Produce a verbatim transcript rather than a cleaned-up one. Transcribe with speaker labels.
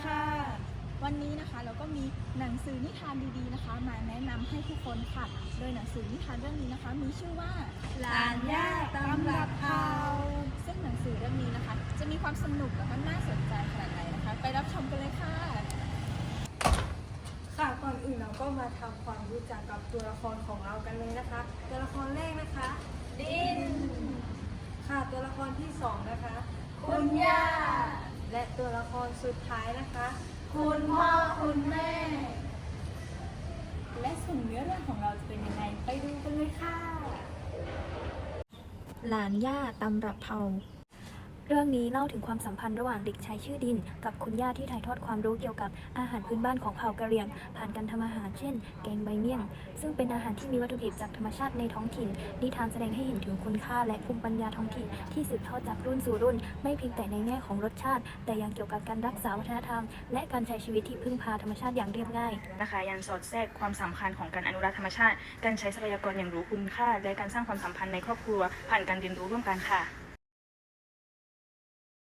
Speaker 1: ค่ะวันนี้นะคะเราก็มีหนังสือนิทานดีๆนะคะมาแนะนำให้ทุกคนค่ะโดยหนังสือนิทานเรื่องนี้นะคะมีชื่อว่า
Speaker 2: หลานย่าตำรับเผา
Speaker 1: ซึ่งหนังสือเรื่องนี้นะคะจะมีความสนุกและก็น่าสนใจขนาดไหนนะคะไปรับชมกันเลยค่ะ
Speaker 2: ค่ะก่อนอื่นเราก็มาทำความรู้จักกับตัวละครของเรากันเลยนะคะตัวละครแรกนะคะดินค่ะตัวละครที่สองนะคะ
Speaker 1: คุณย่า
Speaker 2: และตัวละครสุดท้ายนะคะ
Speaker 1: คุณพ่อคุณแม่และส่วนเนื้อเรื่องของเราจะเป็นยังไงไปดูกันเลยค่ะ
Speaker 3: หลานย่าตำรับเผาเรื่องนี้เล่าถึงความสัมพันธ์ระหว่างเด็กชายชื่อดินกับคุณย่าที่ถ่ายทอดความรู้เกี่ยวกับอาหารพื้นบ้านของเผ่ากะเหรี่ยงผ่านการทำอาหารเช่นแกงใบเมี่ยงซึ่งเป็นอาหารที่มีวัตถุดิบจากธรรมชาติในท้องถิ่นนิทานแสดงให้เห็นถึงคุณค่าและภูมิปัญญาท้องถิ่นที่สืบทอดจากรุ่นสู่รุ่นไม่เพียงแต่ในแง่ของรสชาติแต่ยังเกี่ยวกับการรักษาวัฒนธรรมและการใช้ชีวิตที่พึ่งพาธรรมชาติอย่างเรียบง่าย
Speaker 4: นะคะยังสอดแทรกความสำคัญของการอนุรักษ์ธรรมชาติการใช้ทรัพยากรอย่างรู้คุณค่าและการสร้างความสัมพันธ์ในครอบครัวผ่านการเรียนรู้ร่วมกันค่ะ